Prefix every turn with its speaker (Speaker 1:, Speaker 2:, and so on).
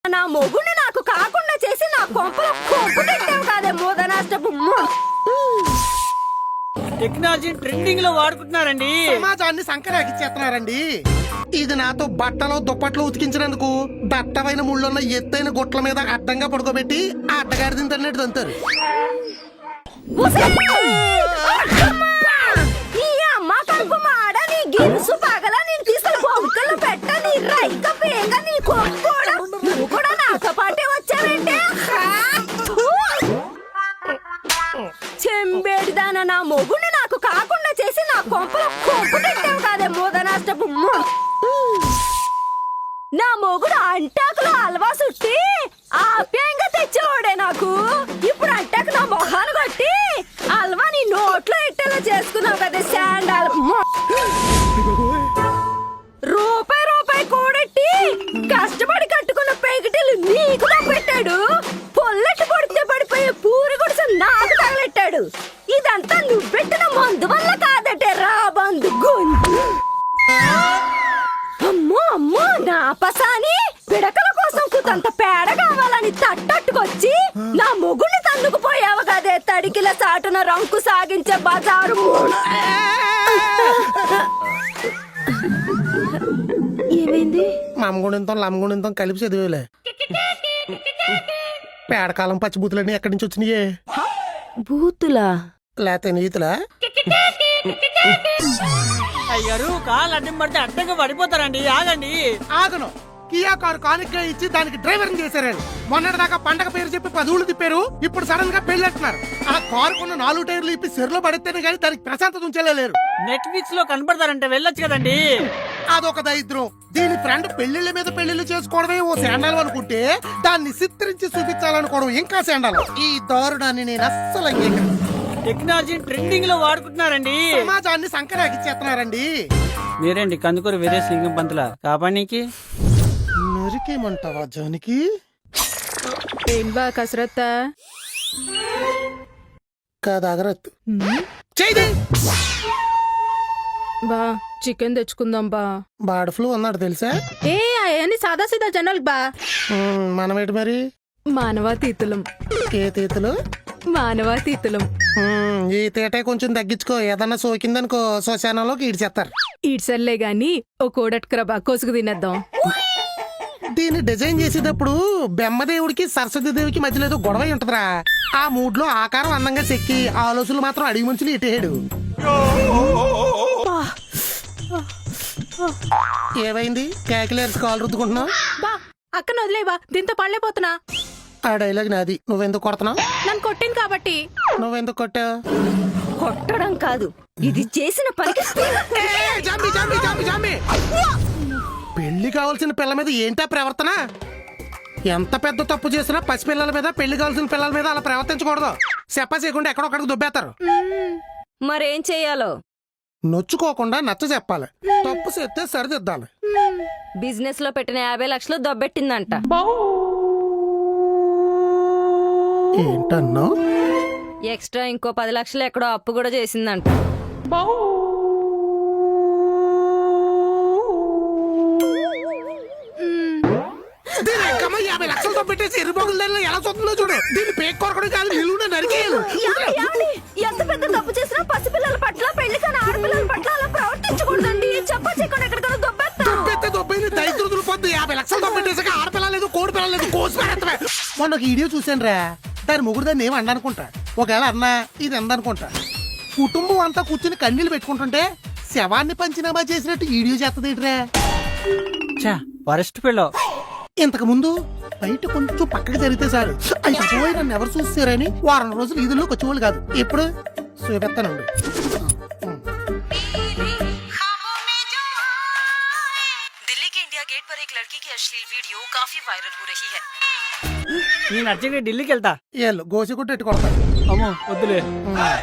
Speaker 1: నా మొగుడిని నాకు కాకుండా చేసి నా కొంపలో కొంపు తిట్టావు కాదే మోదనాష్టపు
Speaker 2: టెక్నాలజీ ట్రెండింగ్ లో వాడుకుంటున్నారండి.
Speaker 3: సమాజాన్ని సంకరాకిచ్చేస్తున్నారండి. ఇది నాతో బట్టలు దుప్పట్లు ఉతికించినందుకు దట్టమైన ముళ్ళున్న ఎత్తైన గుట్ల మీద అడ్డంగా పడుకోబెట్టి ఆ అడ్డగాడిదని తన్నట్టు తంతారు.
Speaker 1: నీ అమ్మ కడుపు మాడ నీ గిలుసు పగల నేను తీసుకుని బొంకలు పెట్ట నీ రైక పేగ నీ కొట్టుకోవడం నువ్వు కూడా నాతో పాటే వచ్చావంటే చెంబేడిదాన నా మొగుడిని నాకు కాకుండా చేసి నా కొంపలో కొంపు తిట్టావు కాదే మోదనాష్టపు నా మొగుడు అంటాకులో హల్వా సుట్టి ఆప్యాయంగా తెచ్చేవాడే నాకు. ఇప్పుడు అంటాకు నా మొహాన్ని కొట్టి హల్వా నీ నోట్లో ఇట్టేలా చేసుకున్నావు కదా శాండాల్. రూపాయి రూపాయి కూడెట్టి కష్టపడి కట్టుకున్న పెగిటిలు నీకు పెట్టాడు. పొల్లెట్టు కొడితే పడిపోయే పూరి గుడిసె నాకు తగలెట్టాడు. ఇదంతా నువ్వు పెట్టిన మందు వల్ల కాదటే రా బంధు గొంతు. అమ్మో అమ్మో నా పసాని పిడకల కోసం కుతంత పేడ కావాలని తట్టట్టుకొచ్చి నా మొగుడిని తందుకుపోయావు కదే తడికిల చాటున రంకు సాగించే బజారు. ఏమైంది?
Speaker 3: మమ్మగుణింతం లమ్మగుణింతం కలిపి చదివేలే. పేడకాలం పచ్చిబూతులన్నీ ఎక్కడి నుంచి వచ్చినాయే?
Speaker 1: బూతులా
Speaker 3: లేతే నీతులా?
Speaker 2: అయ్యారు కాళ్ళు అడ్డం పడితే అడ్డంగా పడిపోతారండి. ఆగండి.
Speaker 3: ఆగను. కియా కారు కానుక ఇచ్చి దానికి డ్రైవర్ చేశారు. మొన్నటిదాకా పండగ పేరు చెప్పి 10 ఊళ్ళు తిప్పారు. ఇప్పుడు సడన్ గా పెళ్ళంటున్నారు. ఆ కారు కొన్న 4 టైర్లు ఇప్పి చెరులో పడితేనే కానీ దానికి ప్రశాంతత ఉంచలేరు.
Speaker 2: నెట్ఫ్లిక్స్ లో కనపడతారంటే వెళ్ళొచ్చు కదండి.
Speaker 3: అదొక దరిద్రం. దీని ఫ్రెండ్ పెళ్లిళ్ళ మీద పెళ్లిళ్ళు చేసుకోవడమే ఓ శాండాలం అనుకుంటే దాన్ని చిత్రించి చూపించాలనుకోవడం ఇంకా శాండాలం. ఈ దారుణాన్ని నేను అస్సలు అంగీకరించను.
Speaker 2: టెక్నాలజీ ట్రెండింగ్ లో వాడుకుంటున్నారండి.
Speaker 3: సమాజాన్ని సంకరాకిచ్చేస్తున్నారండి.
Speaker 2: మీరేంటి కందుకూరు వీరేశ్ లింగం పంతుల కాపానికి
Speaker 3: నరికేమంటావా జానికి?
Speaker 4: ఏం బా కసరత్తా
Speaker 3: కాదాగరత్
Speaker 4: బా చికెన్ తెచ్చుకుందాం బా.
Speaker 3: బార్డ్ ఫ్లూ అన్నాడు తెలుసా?
Speaker 4: ఏ అవన్నీ సాదా సీదా జనాలు బా.
Speaker 3: మనమేటి మరి?
Speaker 4: మానవాతీతులం.
Speaker 3: ఏ తీతలు?
Speaker 4: మానవాతీతులం.
Speaker 3: ఈ తీటే కొంచెం తగ్గించుకో. ఏదన్నా సోకిందనుకో శ్మశానంలోకి ఈడ్చేస్తారు.
Speaker 4: ఈడ్సర్లే గాని ఓ కోడట్కరా బా కోసుకు తినేద్దాం.
Speaker 3: దీన్ని డిజైన్ చేసేటప్పుడు బెమ్మదేవుడికి సరస్వతి దేవికి మధ్యలో ఏదో గొడవ ఉంటదిరా. ఆ మూడ్ లో ఆకారం అందంగా చెక్కి ఆలోచనలు మాత్రం అడిగి ముంచులు ఇటేడు. ఏమైంది? క్యాకిలేర్స్ కాలు రుద్దుకుంటున్నావు?
Speaker 4: బా అక్కన వదిలే బా, దీంతో పడలేపోతున్నా.
Speaker 3: ఆ డైలాగ్ నాది. నువ్వెందుకు కొడుతున్నావు?
Speaker 4: నన్ను కొట్టింది కాబట్టి.
Speaker 3: నువ్వెందుకు కొట్టావు?
Speaker 1: కొట్టడం కాదు, ఇది చేసిన పనికి
Speaker 3: పెళ్లి కావాల్సిన పిల్ల మీద ఏంటా ప్రవర్తన? ఎంత పెద్ద తప్పు చేసినా పసిపిల్లల మీద, పెళ్లి కావాల్సిన పిల్లల మీద అలా ప్రవర్తించకూడదు. చెప్ప చేయకుండా ఎక్కడొక్కడికి దుబ్బేస్తారు.
Speaker 1: మరేం చెయ్యాలో?
Speaker 3: నొచ్చుకోకుండా నచ్చ చెప్పాలి. తప్పు చేస్తే సరిదిద్దాలి.
Speaker 1: బిజినెస్ లో పెట్టిన 50 లక్షలు దొబ్బెట్టిందంట.
Speaker 3: ఏంటన్నా?
Speaker 1: ఎక్స్ట్రా ఇంకో 10 లక్షలు ఎక్కడో అప్పు కూడా చేసిందంట.
Speaker 3: దీని ఎక్కమ్మ 50 లక్షలతో పెట్టేసి ఎరుబొగుల దానిలో ఎలా చూస్తుందో చూడు. దీన్ని పేక్ కొరకడం కాదు, నిలువున నరికేయాలి.
Speaker 1: ఎంత పెద్ద తప్పు చేసినా పసిపిల్లల పట్ల, పెళ్లి కాని ఆడపిల్లల పట్ల అలా ప్రవర్తించకూడదండి. చెప్ప చేయకుండా ఎక్కడికైనా
Speaker 3: దొబ్బెత్తే దొబ్బైంది దరిద్రులు పొద్దు. 50 లక్షలతో పెట్టేసాక ఆడపిల్ల లేదు, కోడి పిల్ల లేదు, కోసి పెడతావే. మొన్న ఒక వీడియో చూసాను రా. దాని ముగ్గురు దాన్ని ఏమి అండనుకుంటా. ఒకవేళ అన్నా ఇది ఎందనుకుంటా. కుటుంబం అంతా కూర్చుని కన్నీళ్ళు పెట్టుకుంటుంటే శవాన్ని పంచినామా చేసినట్టు వీడియో చేస్తదేట్రా.
Speaker 2: వరస్ట్ పిల్ల.
Speaker 3: ఇంతకు ముందు బయట కొంచెం పక్కకి జరిగితే సార్ అయిపోయి నన్ను ఎవరు చూస్తారని వారం రోజులు ఈదుల్లోకి వచ్చేవాళ్ళు కాదు. ఇప్పుడు చూపెత్తానండి.
Speaker 5: दिल्ली के इंडिया गेट पर एक लड़की की अश्लील वीडियो काफी वायरल हो रही है.
Speaker 2: నేను అర్జెంట్ ఢిల్లీకి వెళ్తా.
Speaker 3: ఏళ్ళు గోసి కొట్టి ఎట్టు కొడతారు.
Speaker 2: అమ్మో వద్దులే.